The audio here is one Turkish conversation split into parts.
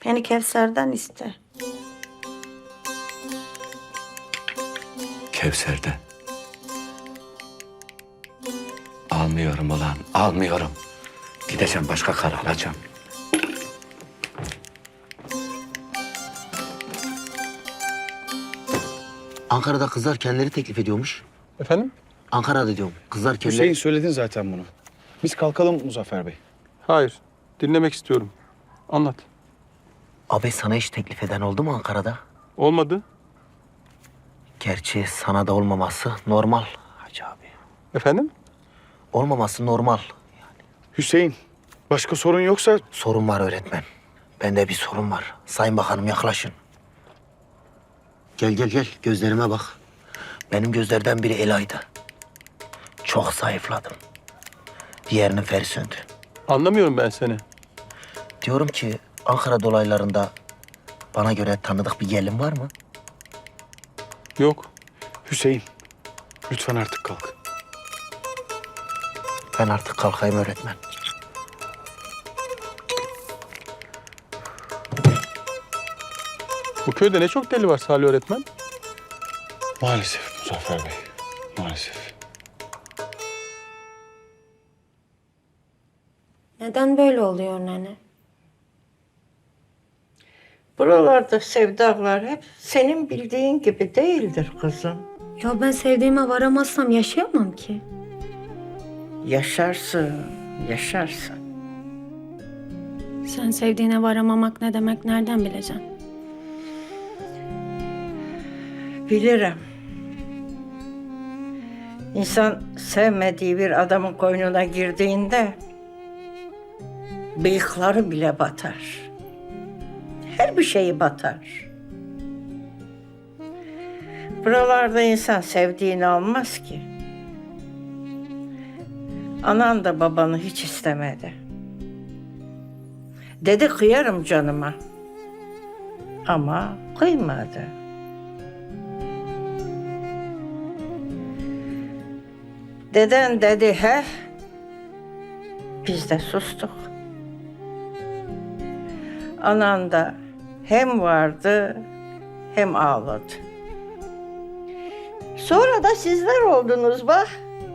Yani Kevser'den iste. Kevser'den. Almıyorum ulan, almıyorum. Gideceğim başka karı alacağım. Ankara'da kızlar kendileri teklif ediyormuş. Efendim? Ankara'da diyorum. Kızlar kendileri... Hüseyin söyledin zaten bunu. Biz kalkalım Muzaffer Bey. Hayır. Dinlemek istiyorum. Anlat. Abi sana hiç teklif eden oldu mu Ankara'da? Olmadı. Gerçi sana da olmaması normal Hacı abi. Efendim? Olmaması normal. Hüseyin, başka sorun yoksa Sorun var öğretmen. Bende bir sorun var. Sayın Bakanım yaklaşın. Gel gel gel. Gözlerime bak. Benim gözlerden biri Ela'ydı. Çok zayıfladım. Diğerinin feri söndü. Anlamıyorum ben seni. Diyorum ki Ankara dolaylarında bana göre tanıdık bir gelin var mı? Yok. Hüseyin, lütfen artık kalk. Ben artık kalkayım öğretmen. Bu köyde ne çok deli var Salih öğretmen. Maalesef Muzaffer Bey, maalesef. Neden böyle oluyor nene? Buralarda sevdalar hep senin bildiğin gibi değildir kızım. Ya ben sevdiğime varamazsam yaşayamam ki. Yaşarsın, yaşarsın. Sen sevdiğine varamamak ne demek nereden bileceksin? Bilirim. İnsan sevmediği bir adamın koynuna girdiğinde bıyıkları bile batar. Her bir şeyi batar. Buralarda insan sevdiğini almaz ki. Anan da babanı hiç istemedi. Dedi kıyarım canıma. Ama kıymadı. Deden dedi he. Biz de sustuk. Anan da hem vardı hem ağladı. Sonra da sizler oldunuz bak.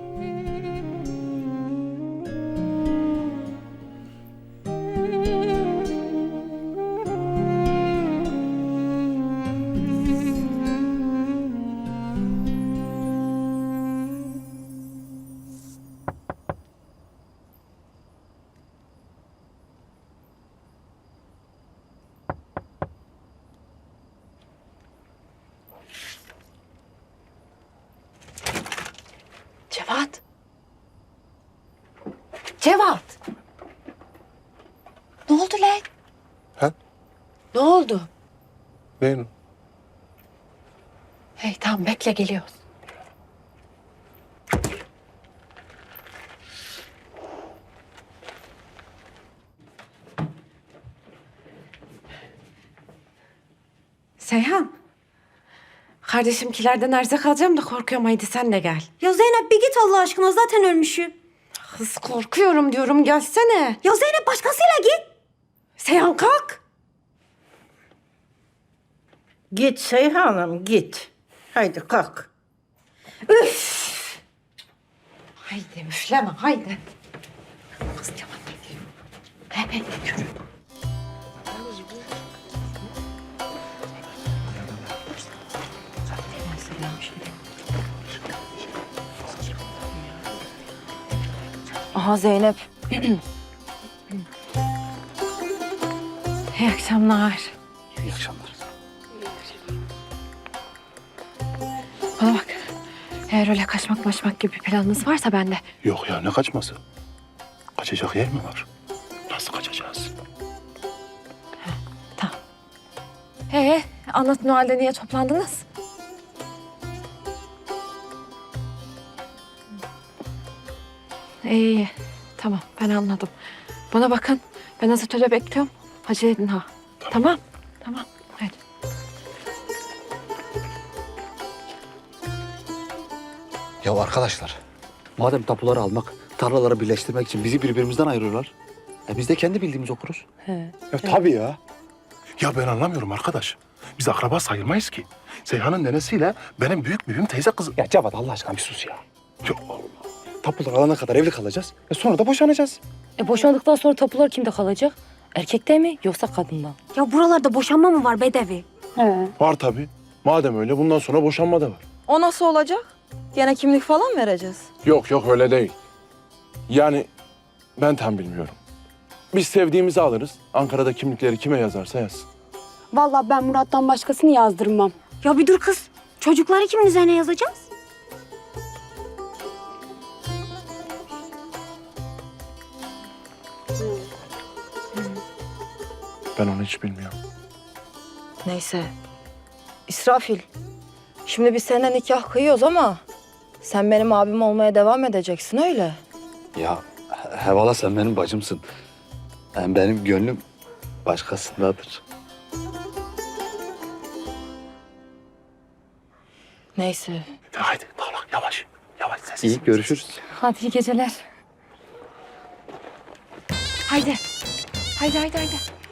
Cevat. Cevat. Ne oldu lan? Ha? Ne oldu? Benim. Hey tamam bekle geliyoruz. Seyhan. Kardeşimkilerden erzak alacağım da korkuyorum. Haydi sen de gel. Ya Zeynep bir git Allah aşkına zaten ölmüşüm. Kız korkuyorum diyorum gelsene. Ya Zeynep başkasıyla git. Seyhan kalk. Git Seyhan'ım git. Haydi kalk. Haydi üfleme haydi. Kız Cevat geliyor. Hemen yürü. Aha Zeynep. İyi akşamlar. İyi akşamlar. Bana bak. Eğer öyle kaçmak gibi bir planınız varsa ben de. Yok ya, ne kaçması? Kaçacak yer mi var? Nasıl kaçacağız? Tamam. Anlatın o halde niye toplandınız? İyi. Tamam ben anladım. Bana bakın. Ben Azatöl'e bekliyorum. Acele edin ha. Tamam. Tamam. Hadi. Ya arkadaşlar, madem tapuları almak, tarlaları birleştirmek için bizi birbirimizden ayırıyorlar. Biz de kendi bildiğimiz okuruz. Ya tabii ya. Ya ben anlamıyorum arkadaş. Biz akraba sayılmayız ki. Seyhan'ın nenesiyle benim büyük büyüğüm teyze kızı. Ya Cevat Allah aşkına bir sus ya. Ya Allah. Tapular alana kadar evli kalacağız. Sonra da boşanacağız. Boşandıktan sonra tapular kimde kalacak? Erkekte mi yoksa kadında? Ya buralarda boşanma mı var Bedevi? Var tabii. Madem öyle bundan sonra boşanma da var. O nasıl olacak? Gene kimlik falan vereceğiz. Yok yok öyle değil. Yani ben tam bilmiyorum. Biz sevdiğimizi alırız. Ankara'da kimlikleri kime yazarsa yazsın. Vallahi ben Murat'tan başkasını yazdırmam. Ya bir dur kız. Çocukları kimin üzerine yazacağız? Ben onu hiç bilmiyorum. Neyse. İsrafil. Şimdi biz seninle nikah kıyıyoruz ama sen benim abim olmaya devam edeceksin öyle. Ya Hevala sen benim bacımsın. Hem benim gönlüm başkasındadır. Neyse. Haydi Tağlak yavaş. Yavaş sessiz. İyi görüşürüz. Hadi iyi geceler. Haydi. Haydi haydi haydi.